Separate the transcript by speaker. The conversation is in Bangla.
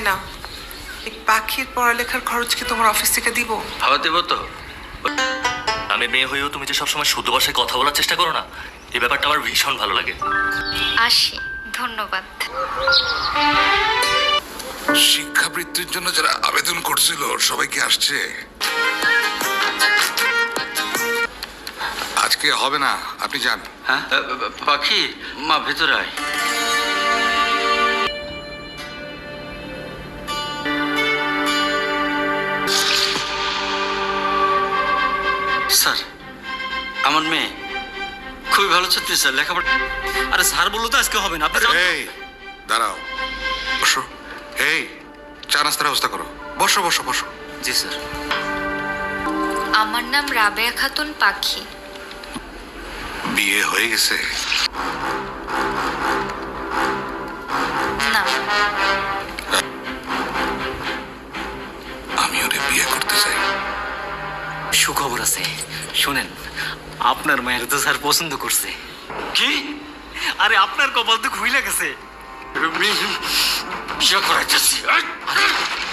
Speaker 1: না, এই পাখির পড়ালেখার খরচ কি তোমার অফিস থেকে দিব?
Speaker 2: ভাবা দেবো তো।
Speaker 3: আমি মেয়ে হয়েও তুমি যে সবসময় শুদ্ধ ভাষায় কথা বলার চেষ্টা করো না, এই ব্যাপারটা আমার ভীষণ ভালো লাগে।
Speaker 4: আসি, ধন্যবাদ।
Speaker 5: শিক্ষাবৃত্তির জন্য যারা আবেদন করছিল সবাই কি আসছে? আজকে হবে না, আপনি যান।
Speaker 2: হ্যাঁ পাখি, মা ভেতরে আয়। স্যার, আমার মেয়ে খুবই ভালো ছাত্রী স্যার, লেখাপড়া।
Speaker 6: আরে স্যার বললো তো আজকে হবে না, আপনি যান।
Speaker 5: এই দাঁড়াও, বসো। এই চা নাস্তার ব্যবস্থা করো, বসো বসো বসো।
Speaker 2: জি স্যার।
Speaker 4: আমার নাম রাবেয়া খাতুন পাখি।
Speaker 5: বিয়ে হয়ে গেছে?
Speaker 4: না,
Speaker 5: আমি ওরে বিয়ে করতে চাই।
Speaker 6: সুখবর আছে, শুনেন, আপনার মায়ের তো স্যার পছন্দ করছে।
Speaker 2: কি?
Speaker 6: আরে আপনার কপাল তো খুইলা গেছে।
Speaker 2: বিয়ে করাইতেছি।